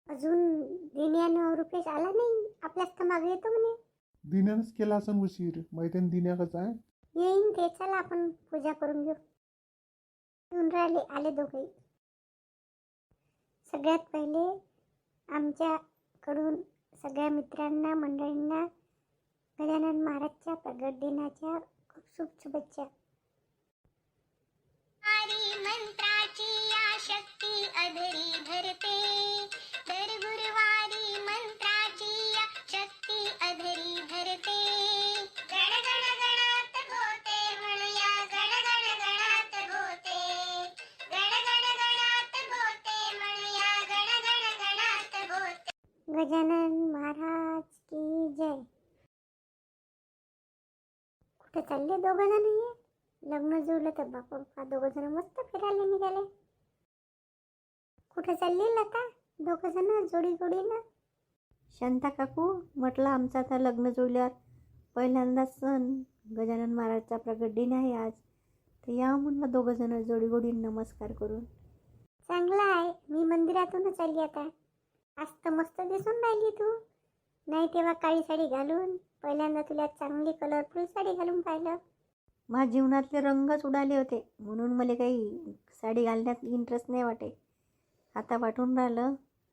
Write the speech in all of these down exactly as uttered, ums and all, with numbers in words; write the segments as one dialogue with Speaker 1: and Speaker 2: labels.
Speaker 1: अजून दिन्यानं रुपेश आला नाही. आपल्याच तर मागे येतो म्हणे.
Speaker 2: दिन्यानंच केला असं उशीर. माहिती आहे दिन्या कसा आहे.
Speaker 1: येईन ते. चला आपण पूजा करून घेऊ. येऊन राहिले आले दोघेही. सगळ्यात पहिले आमच्याकडून सगळ्या मित्रांना मंडळींना गजानन महाराजच्या प्रगट दिनाच्या खूप खूप शुभेच्छा.
Speaker 3: मंत्राची या शक्ती अधरी धरते, दर गुरुवारी मंत्राची या शक्ती अधरी धरते. गण गण गणात होते म्हणूया, गण गण गणात होते, गण गण गणात होते म्हणूया, गण गण गणात होते.
Speaker 1: गजानन महाराज की जय. कुठे चालले दोघं जण? हे लग्न जुळलं तर बापा बापा दोघं जण मस्त फिरायला निघाले. कुठे चालली लता? दोघं जण जोडी जोडीनं.
Speaker 4: शांता काकू, म्हटलं आमचं आता लग्न जुळल्यावर पहिल्यांदाच सण गजानन महाराजचा प्रगट दिन आहे आज, तर या म्हणलं दोघं जण जोडी जोडीनं नमस्कार करून.
Speaker 1: चांगलं आहे. मी मंदिरातूनच आली आता. आज तर मस्त दिसून राहिली तू. नाही तेव्हा काळी साडी घालून, पहिल्यांदा तुला चांगली कलरफुल साडी घालून पाहिलं.
Speaker 4: माझ्या जीवनातले रंगच उडाले होते, म्हणून मला काही साडी घालण्यात इंटरेस्ट नाही वाटे. आता वाटून राहिलं,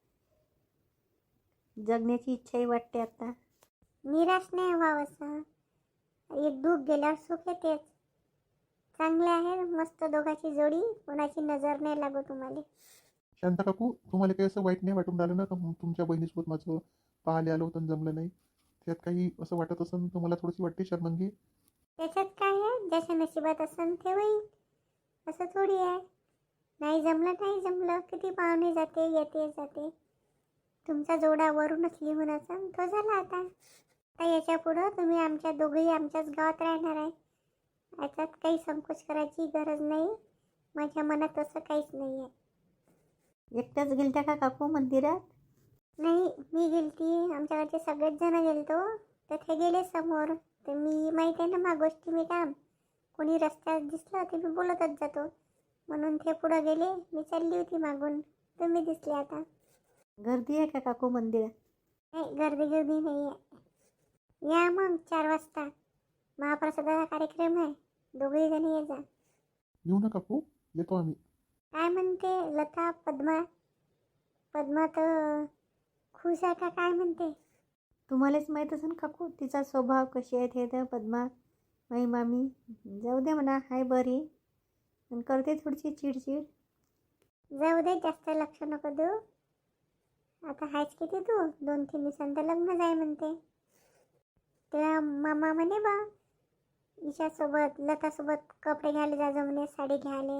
Speaker 4: जगण्याची इच्छाही वाटते आता.
Speaker 1: निराश नाही व्हावं असं. एक दुःख गेल्यावर सुख येतेच. चांगले आहे मस्त दोघांची जोडी. कोणाची नजर नाही लागो तुम्हाला.
Speaker 2: शांता काकू, तुम्हाला काही असं वाईट नाही वाटून राहिलं ना का तुमच्या बहिणीसोबत माझं पाहायला आलं होतं जमलं नाही? त्यात काही असं वाटत असेल तर मला थोडीशी वाटते शर्मंगी.
Speaker 1: त्याच्यात काय आहे? ज्याच्या नशिबात असन ते होईल. असं थोडी आहे. नाही जमलं नाही जमलं. किती पाहुणे जाते येते जाते. तुमचा जोडा वरूनच लिहून असन तो झाला आता. आता याच्या पुढं तुम्ही आमच्या दोघेही आमच्याच गावात राहणार आहे. याच्यात काही संकोच करायची गरज नाही. माझ्या मनात असं काहीच नाही आहे.
Speaker 4: एकट्याच गेलत्या का काकू मंदिरात?
Speaker 1: नाही मी गेलती. आमच्याकडचे सगळेच जण गेलतो. तर ते गेले समोर. तर मी माहीत आहे ना मा गोष्टी मी काम. कोणी रस्त्यात दिसलं ते मी बोलतच जातो. म्हणून ते पुढं गेले. मी चालली होती मागून. तुम्ही दिसले आता.
Speaker 4: गर्दी आहे का काकू मंदिरात?
Speaker 1: नाही गर्दी गर्दी नाही आहे. या मग चार वाजता महाप्रसादाचा कार्यक्रम आहे. दोघेही जण ये जा.
Speaker 2: येऊ ना काकू, येतो आम्ही.
Speaker 1: काय म्हणते लता? पद्मा पद्मा तर खुश आहे का काय म्हणते?
Speaker 4: तुम्हालाच माहीत असेल काकू तिचा स्वभाव कशी आहे ते. तर पद्मा माई मामी जाऊ दे म्हणा, हाय बरी, पण करते थोडीशी चिडचिड.
Speaker 1: जाऊ दे, जास्त लक्ष नको देऊ. आता हायच किती तू? दोन तीन दिवसांत लग्न जाय म्हणते. तेव्हा मामा म्हणे बा ईशासोबत लतासोबत कपडे घ्यायला जा म्हणे, साडी घ्यायला.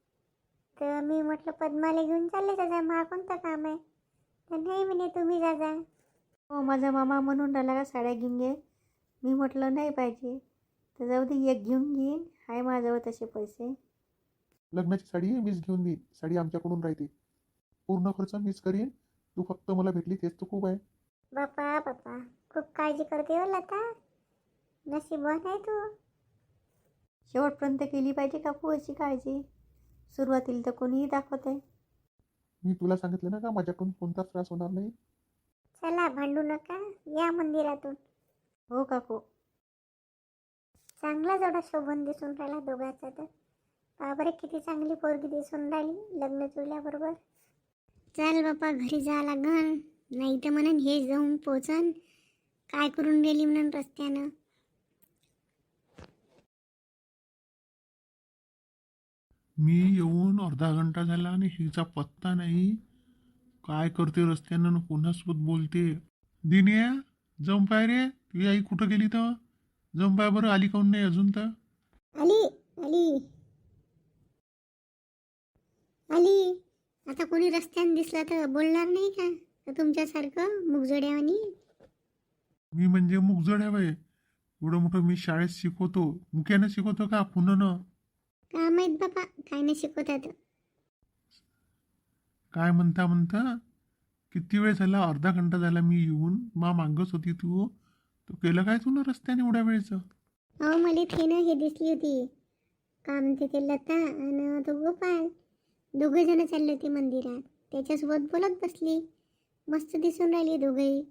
Speaker 1: तर मी म्हटलं पद्माला घेऊन चालले जा जा, मला कोणतं काम आहे? तर नाही म्हणे तुम्ही जा जा.
Speaker 4: हो, माझा मामा म्हणून राहिला का साड्या घेऊन घे. मी म्हटलं नाही पाहिजे, तर जाऊ दे एक घेऊन घेईन, हाय माझ्याजवळ तसे पैसे.
Speaker 2: लग्नाची साडी मीच घेऊन देईन. साडी आमच्याकडून राहते. पूर्ण खर्च मीच करीन. तू फक्त मला भेटली तेच तर खूप आहे.
Speaker 1: बापा बापा खूप काळजी करते हो लता. नशीबवान आहे तू.
Speaker 4: शेवटपर्यंत केली पाहिजे काकू अशी काळजी. सुरुवातीला तर कोणीही दाखवते.
Speaker 2: मी तुला सांगितलं ना का माझ्याकडून कोणताच त्रास होणार नाही.
Speaker 1: चला भांडू नका, या मंदिरातून.
Speaker 4: हो काकू.
Speaker 1: चांगला जोडा शोभून दिसून राहिला दोघांचा. तर बाबरे किती चांगली पोरगी दिसून राहिली लग्न जुळल्याबरोबर. चल बापा घरी जा लागन, नाही तर म्हणून हे जाऊन पोचन काय करून गेली म्हणून रस्त्यानं.
Speaker 2: मी येऊन अर्धा घंटा झाला आणि हिचा पत्ता नाही. काय करते रस्त्यानं, कोणासोबत बोलते? दिन्या जंपाय रे, तुझी आई कुठं गेली? तर जंपाय बरं, आली काऊन नाही अजून? तर
Speaker 1: आली आली आली. आता कोणी रस्त्याने दिसला तर बोलणार नाही का? तर तुमच्यासारखं मुगजोड्यावानी.
Speaker 2: मी म्हणजे मुकजड आहे बाई. एवढं मोठं मी शाळेत शिकवतो. मुक्यानं शिकवतो का पुन्हा?
Speaker 1: का माहीत बापा काय नाही शिकवतात.
Speaker 2: काय म्हणता म्हणता किती वेळ झाला? अर्धा घंटा झाला मी येऊन. मा मागच होती तू. तू केलं काय तू ना रस्त्याने एवढ्या वेळचं?
Speaker 1: हो मला थे ना हे दिसली होती. का म्हणते ते लता आणि तो गोपाळ दोघे जण चालले होते मंदिरात. त्याच्यासोबत बोलत बसली. मस्त दिसून राहिली दोघंही.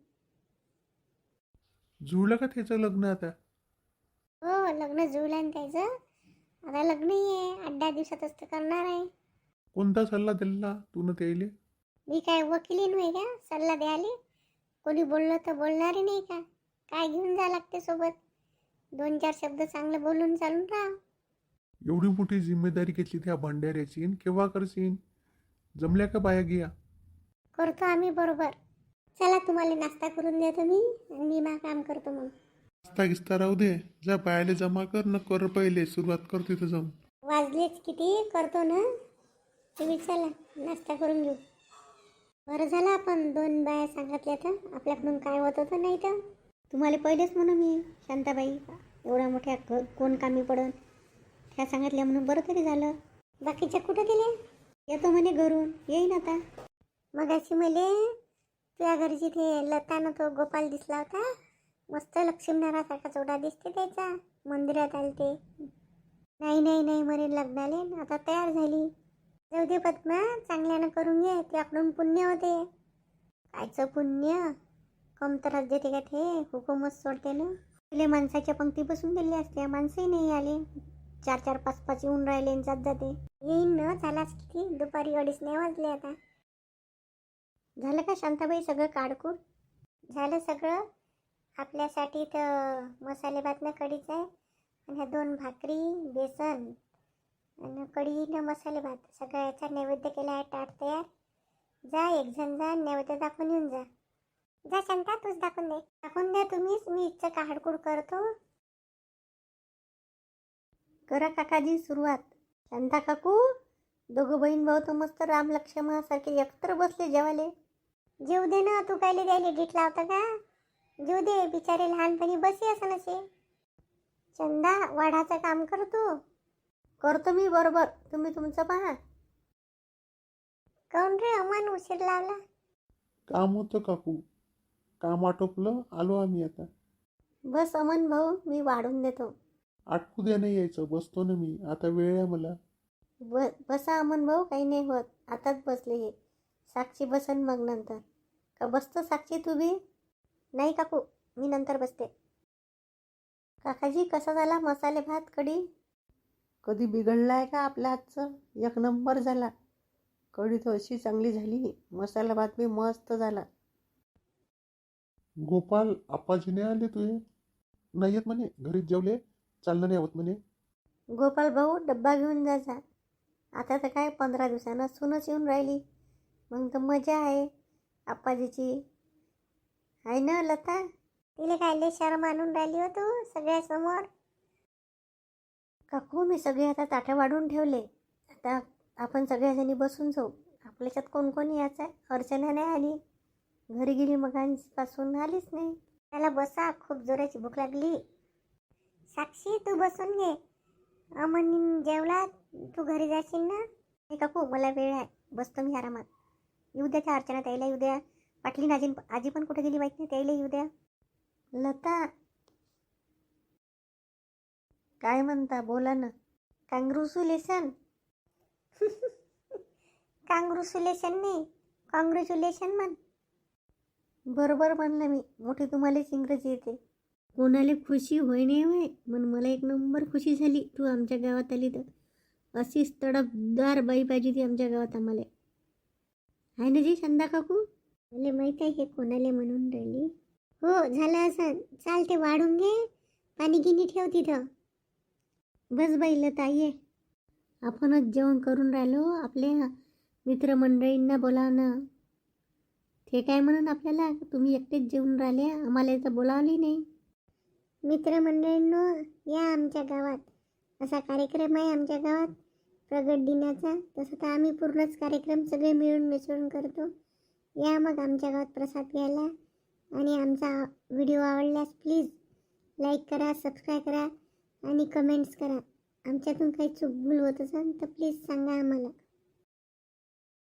Speaker 2: जुळलं का त्याचं लग्न आता?
Speaker 1: हो, लग्न जुळलं आणि त्याचं. आता लग्नही आहे, आठ दहा दिवसातच तर करणार आहे.
Speaker 2: कोणता सल्ला दिला तू न त्याले?
Speaker 1: मी काय वकिली नाही का सल्ला द्यायला? कोणी बोललं तर बोलणारे नाही का? काय घेऊन जा लागते सोबत? दोन चार शब्द चांगलं बोलून चालून राहा.
Speaker 2: एवढी मोठी जिम्मेदारी घेतली त्या भंडाऱ्याची न केव्हा करशील? जमल्या का बाया गिया?
Speaker 1: करतो आम्ही बरोबर. चला, तुम्हाला नाश्ता करून देतो मी आणि मी मा काम करतो मग.
Speaker 2: नाश्ता गिस्ता राहू दे, जा बायाले जमा कर न कर, पहिले सुरुवात कर तिथं जाऊन.
Speaker 1: वाजलेच किती करतो ना तुम्ही. चला नाश्ता करून घेऊ. बरं झालं आपण दोन बाया सांगितल्या तर आपल्याकडून काय होत होतं. नाही तर तुम्हाला पहिलेच म्हणून मी शांताबाई एवढ्या मोठ्या क कोण कामी पडन त्या सांगितल्या म्हणून बरं तरी झालं. बाकीच्या कुठं गेल्या? येतो म्हणे घरून, येईन आता. मग अशी मले तुझ्या घरची ते लतानं तो गोपाल दिसला होता. मस्त लक्ष्मीनारायणासारखा चोडा दिसते त्याचा. मंदिरात आले ते. नाही नाही नाही म्हणे लग्नाले, आता तयार झाली. जाऊ दे पद्मा, चांगल्यानं करून घे, त्याकडून पुण्य होते. कायचं पुण्य? कमतरच देते का ते? हुकूमच सोडते ना. तिले माणसाच्या पंक्ती बसून दिली असते, माणसंही नाही आले. चार चार पाच पाच येऊन राहिले आणि जात जाते. येईन ना, झालाच किती, दुपारी अडीच नाही वाजले आता. झालं का शांताबाई सगळं काढकूड? झालं सगळं. आपल्यासाठी तर मसाले भात ना कढीच आहे आणि ह्या दोन भाकरी, बेसन आणि कढी न मसाले भात सगळ्याचा नैवेद्य केला आहे. ताट तयार. जा एक जण जा, नैवेद्य दाखवून येऊन जा. जा शांता, तूच दाखवून दे. दाखवून द्या तुम्हीच, मी इथचं काढकूड करतो. करा काकाजी सुरुवात. शांता काकू, दोघं बहीण भाऊ तर मस्त राम लक्ष्मणासारखे एकत्र बसले जेवाले. जेव दे ना, तू कायले द्यायला डीट लावता का? जेव दे, बिचारे लहानपणी बसी असं नसे. चंदा, वाढाचं काम कर तू. करतो मी बरोबर, तुम्ही तुमचं पहा. काऊन रे अमन उशीर लावला?
Speaker 2: काम होतं काकू, काम आटोपलं, आलो आम्ही आता.
Speaker 4: बस अमन भाऊ, मी वाढून देतो.
Speaker 2: आटपू द्या नाही यायचं, बसतो ना मी, आता वेळ आहे मला.
Speaker 4: ब बसा अमन भाऊ, काही नाही होत. आताच बसले हे. साक्षी बसन मग नंतर. का बसतो साक्षी तू बी? नाही काकू, मी नंतर बसते. काकाजी, कसा झाला मसाले भात कढी?
Speaker 2: कधी बिघडला आहे का आपल्या हातचं? एक नंबर झाला. कढी तर अशी चांगली झाली, मसाला भात बी मस्त झाला. गोपाल, आप्पाजी नाही आले तुझे? नाही येत म्हणे, घरीच जेवले, चालणं नाही होत म्हणे.
Speaker 4: गोपाल भाऊ, डब्बा घेऊन जा जा. आता तर काय पंधरा दिवसानं सूनच येऊन राहिली, मग तर मजा आहे आप्पाजीची. आहे ना लता?
Speaker 1: तिला काय शरम आणून राहिली हो तू सगळ्यासमोर?
Speaker 4: काकू, मी सगळे आता ताटं वाढून ठेवले. आता आपण सगळ्याजणी बसून जाऊ. आपल्याच्यात कोण कोण यायचं आहे? अर्चना नाही आली, घरी गेली मगांपासून आलीच नाही.
Speaker 1: त्याला बसा, खूप जोराची भूक लागली. साक्षी, तू बसून घे. अमन जेवला, तू घरी जाशील ना?
Speaker 4: हे काकू, मला वेळ आहे, बसतो मी आरामात. येऊ द्या त्या अर्चना ताईला, येऊ द्या. पाटलीन आजी आजी पण कुठे गेली माहीत नाही, त्याला येऊ द्या. लता, काय म्हणता, बोला ना. कॉंग्रॅच्युलेशन.
Speaker 1: कॉंग्रॅच्युलेशन नाही, कॉंग्रॅच्युलेशन म्हण.
Speaker 4: बरोबर म्हणलं मी, मोठी तुम्हालाच इंग्रजी येते. कोणाला खुशी होय नाही होय, म्हणून मला एक नंबर खुशी झाली तू आमच्या गावात आली तर. अशीच तडफदार बाई पाहिजे ती आमच्या गावात आम्हाला. आहे ना जी शांता काकू?
Speaker 1: मला माहीत आहे हे कोणाला म्हणून राहिली. हो, झालं असं. चालते, वाढून घे, पाणी गिनी ठेव तिथं.
Speaker 4: बस बाई लता, ये. आपणच जेवण करून राहिलो, आपल्या मित्रमंडळींना बोलाव ना. ते काय म्हणून आपल्याला, तुम्ही एकटेच जेवून राहिले, आम्हाला तर बोलावली नाही.
Speaker 1: मित्रमंडळींनो, या आमच्या गावात. असा कार्यक्रम आहे आमच्या गावात प्रगट दिनाचा. तसं तर आम्ही पूर्णच कार्यक्रम सगळे मिळून मिसळून करतो. या मग आमच्या गावात प्रसाद घ्यायला. आणि आमचा व्हिडिओ आवडल्यास प्लीज लाईक करा, सबस्क्राईब करा आणि कमेंट्स करा. आमच्यातून काही चूक भूल होत असेल तर प्लीज सांगा आम्हाला.